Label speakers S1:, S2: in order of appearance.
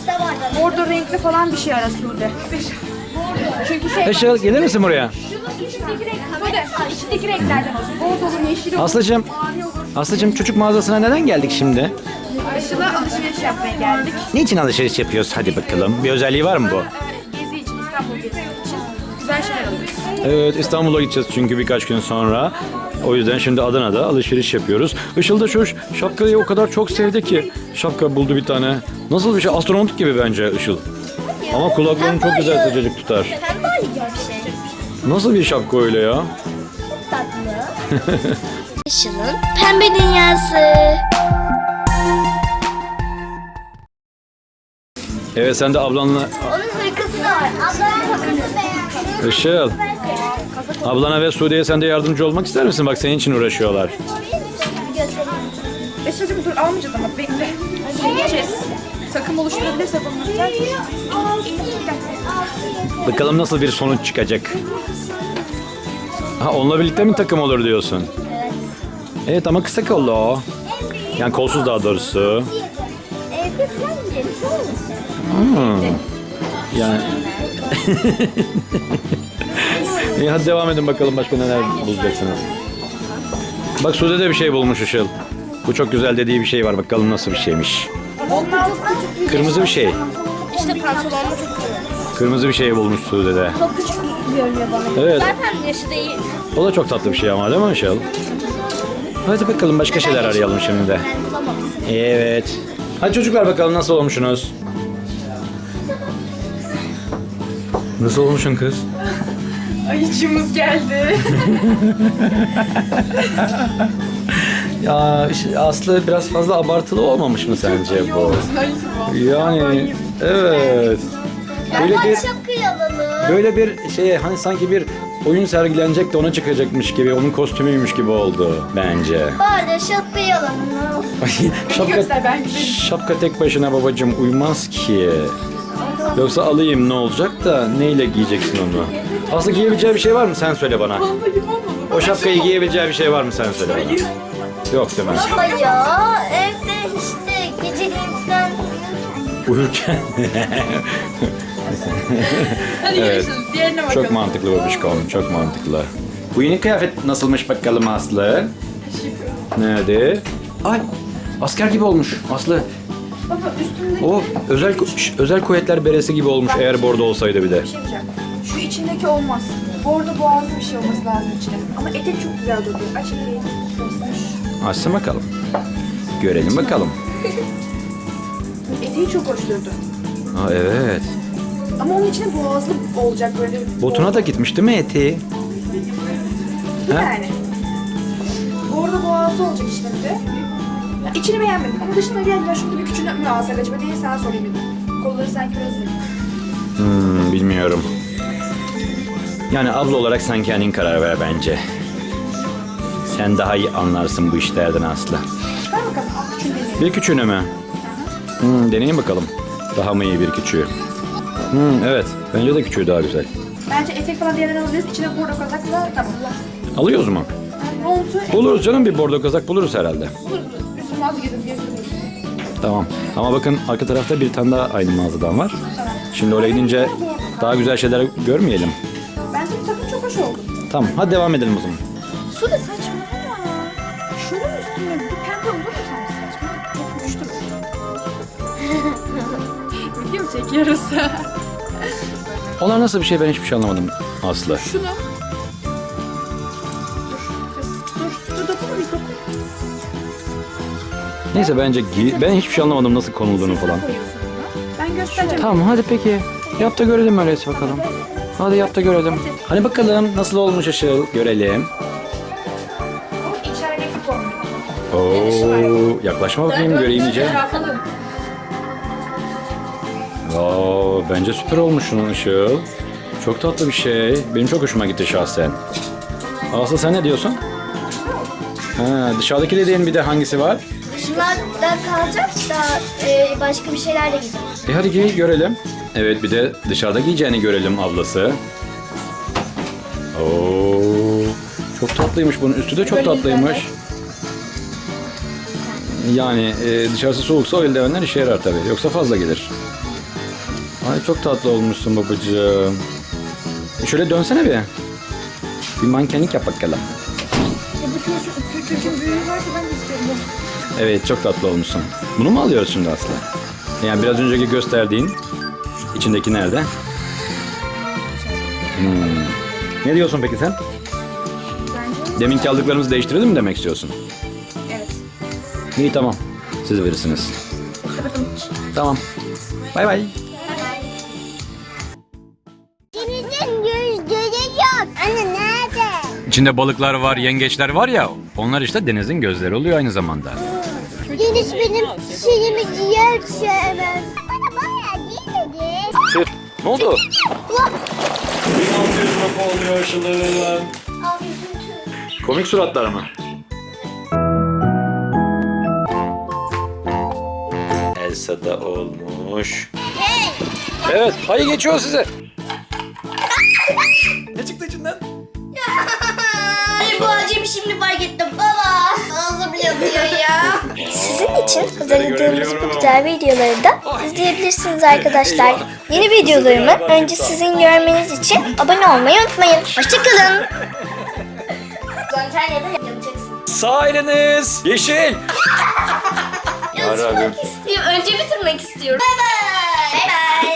S1: Bordo renkli falan bir şey ara Sude. Çünkü şey...
S2: Işıl gelir misin buraya?
S1: İçindeki renklerden olsun. Bordolu, yeşil olur.
S2: Aslıcığım çocuk mağazasına neden geldik şimdi?
S1: Işıl'a alışveriş yapmaya geldik.
S2: Niçin alışveriş yapıyoruz? Hadi bakalım. Bir özelliği var mı bu?
S1: Gezi için, İstanbul gezisi için güzel şeyler alıyoruz.
S2: Evet, İstanbul'a gideceğiz çünkü birkaç gün sonra. O yüzden şimdi Adana'da alışveriş yapıyoruz. Işıl da şu şapkayı o kadar çok sevdi ki. Şapka buldu bir tane. Nasıl bir şey? Astronot gibi bence Işıl. Ama kulaklarını çok güzel sıcacık tutar.
S3: Pembe gibi bir şey.
S2: Nasıl bir şapka öyle ya?
S3: Tatlı. Işıl'ın pembe dünyası.
S2: Evet, sen de ablanla...
S3: Onun hırkası da var. Ablamın hırkası beyaz.
S2: Işıl, ablana ve Sude'ye sen de yardımcı olmak ister misin? Bak senin için uğraşıyorlar.
S1: Işıl'cığım dur almayacağız ama bekle. Gideceğiz. Takım oluşturabilirse bunlar.
S2: Bakalım nasıl bir sonuç çıkacak. Ha, onunla birlikte mi takım olur diyorsun?
S3: Evet.
S2: Evet ama kısa kollu o. Yani kolsuz daha doğrusu.
S3: Evde falan gidelim.
S2: Yani... İyi, hadi devam edin bakalım başka neler bulacaksınız. Bak Sude de bir şey bulmuş Işıl. Bu çok güzel dediği bir şey var. Bakalım nasıl bir şeymiş. Kırmızı bir şey.
S3: İşte pantolonlu çok güzel.
S2: Kırmızı bir şey bulmuş Sude de.
S3: Çok küçük görünüyor bana.
S2: Evet.
S3: Zaten yaşı değil.
S2: O da çok tatlı bir şey ama değil mi Işıl? Hadi bakalım başka şeyler arayalım şimdi de.
S3: Ben bulamamışsın.
S2: Evet. Hadi çocuklar bakalım nasıl olmuşsunuz? Nasıl olmuşsun kız?
S1: Ayıcığımız geldi.
S2: Ya Aslı biraz fazla abartılı olmamış mı sence bu? Yani evet. Böyle bir
S3: Şapkayı alalım.
S2: böyle bir şey hani sanki bir oyun sergilenecek de ona çıkacakmış gibi, onun kostümüymüş gibi oldu bence.
S3: Bari şapkayı alalım.
S1: Göster, ben güzelim.
S2: Şapka tek başına babacığım uymaz ki. Yoksa alayım ne olacak da neyle giyeceksin onu? Aslı giyebileceği bir şey var mı? Sen söyle bana. O şapkayı giyebileceği bir şey var mı? Sen söyle bana. Yok değil mi?
S3: Ama ya evde işte geceliğin falan
S2: Uyurken.
S1: Hadi
S2: Evet.
S1: görüşürüz. Diğerine bakalım.
S2: Çok mantıklı babişkom, çok mantıklı. Bu yeni kıyafet nasılmış bakalım Aslı? Nerede? Ay, asker gibi olmuş Aslı.
S1: Baba üstünde
S2: O özel kuvvetler beresi gibi olmuş eğer bordo olsaydı bir de.
S1: bir şey diyeceğim. Şu içindeki olmaz. Bordo boğazlı bir şey olması lazım içine. Ama etek çok güzel duruyor. Aç eteği. Göster.
S2: Açsın bakalım. Görelim bakalım.
S1: Eteği çok hoş durdu.
S2: Aa evet.
S1: Ama onun içine boğazlı olacak böyle.
S2: Botuna da gitmiş değil mi eteği? Ha?
S1: Yani. Bordo boğazlı olacak işte bir de. Ya içini beğenmedim ama dışına gel ya şurada bir küçüğünü mü alsak acaba diye sana sorayım dedim. Kolları sanki biraz zayıf.
S2: Bilmiyorum. Yani abla olarak sen kendin karar ver bence. Sen daha iyi anlarsın bu işlerden Aslı.
S1: Ver bakalım. Küçüğünü deneyelim.
S2: Bir küçüğünü mü? Deneyin bakalım. Daha mı iyi bir küçüğü? Evet. Bence de küçüğü daha güzel.
S1: Bence etek falan bir yerden alabiliriz. İçine bordo kazakla tamam.
S2: Alıyoruz mu?
S1: Yani montu
S2: Buluruz canım, bir bordo kazak buluruz herhalde.
S1: buluruz. Üstüne az gezdiririz.
S2: Tamam. Ama bakın arka tarafta bir tane daha aynı mağazadan var. Şimdi oraya gidince daha güzel şeyler görmeyelim.
S1: Bence bu takım çok hoş oldu.
S2: Tamam. Hadi devam edelim o zaman.
S1: Su da saçmalama. Şunun üstüne bir pembe olur mu sanki saçma? Çok uçtur. Video mu çekiyoruz?
S2: Onlar nasıl bir şey, ben hiçbir şey anlamadım Aslı.
S1: Şunu. Dur dokunma bir dokun.
S2: Neyse bence ben hiçbir şey anlamadım nasıl konulduğunu falan.
S1: Koyuyorsun bunu. Ben göstereceğim.
S2: Tamam hadi peki. Yap da görelim öyleyse bakalım. Hadi yap da görelim. Hani bakalım nasıl olmuş Işıl, görelim.
S1: Bu içerideki kombin.
S2: Oo, yaklaşma bakayım göreyim iyice.
S1: Bakalım.
S2: Oo, bence süper olmuş şunun Işıl. Çok tatlı bir şey. Benim çok hoşuma gitti şahsen. Aslı sen ne diyorsun? Ha, dışarıdaki dediğin bir de hangisi var?
S3: dışlarda kalacak da başka bir şeylerle gideceğiz.
S2: Hadi giy görelim. Evet, bir de dışarıda giyeceğini görelim ablası. Oo, çok tatlıymış, bunun üstü de çok tatlıymış. Yani dışarısı soğuksa o eldivenler işe yarar tabii. Yoksa fazla gelir. Ay çok tatlı olmuşsun babacığım. Şöyle dönsene bir. Bir mankenlik yap bakalım.
S1: Bu çocuğun büyüğü varsa ben de istiyorum.
S2: Evet çok tatlı olmuşsun. Bunu mu alıyoruz şimdi Aslı? Yani biraz önceki gösterdiğin içindeki nerede? Ne diyorsun peki sen?
S1: Bence
S2: Deminki aldıklarımızı değiştirelim mi demek istiyorsun?
S1: evet.
S2: İyi tamam. Siz verirsiniz. Tamam. Bay bay.
S3: Denizin gözleri yok. Anne nerede?
S2: İçinde balıklar var, yengeçler var ya. Onlar işte denizin gözleri oluyor aynı zamanda.
S3: Deniz benim şeyimi ciğer sevmez. Bana bayağı değil dedi.
S2: Ne oldu? 1600 lira oluyor Işıl'ın. Komik suratlar mı? Elsa da olmuş. Evet, hayır geçiyor size. Ne çıktı içinden?
S3: Ay bu acemi şimdi fark ettim baba. Ağzım yanıyor ya. Sizin için hazırladığımız bu güzel videoları da izleyebilirsiniz arkadaşlar. Yeni videolarımı önce sizin görmeniz için abone olmayı unutmayın. Hoşçakalın. Antalya'da yapacaksın.
S2: Sağ eliniz yeşil.
S3: Bitirmek istiyorum. Önce bitirmek istiyorum. Bay bay. Bay bay.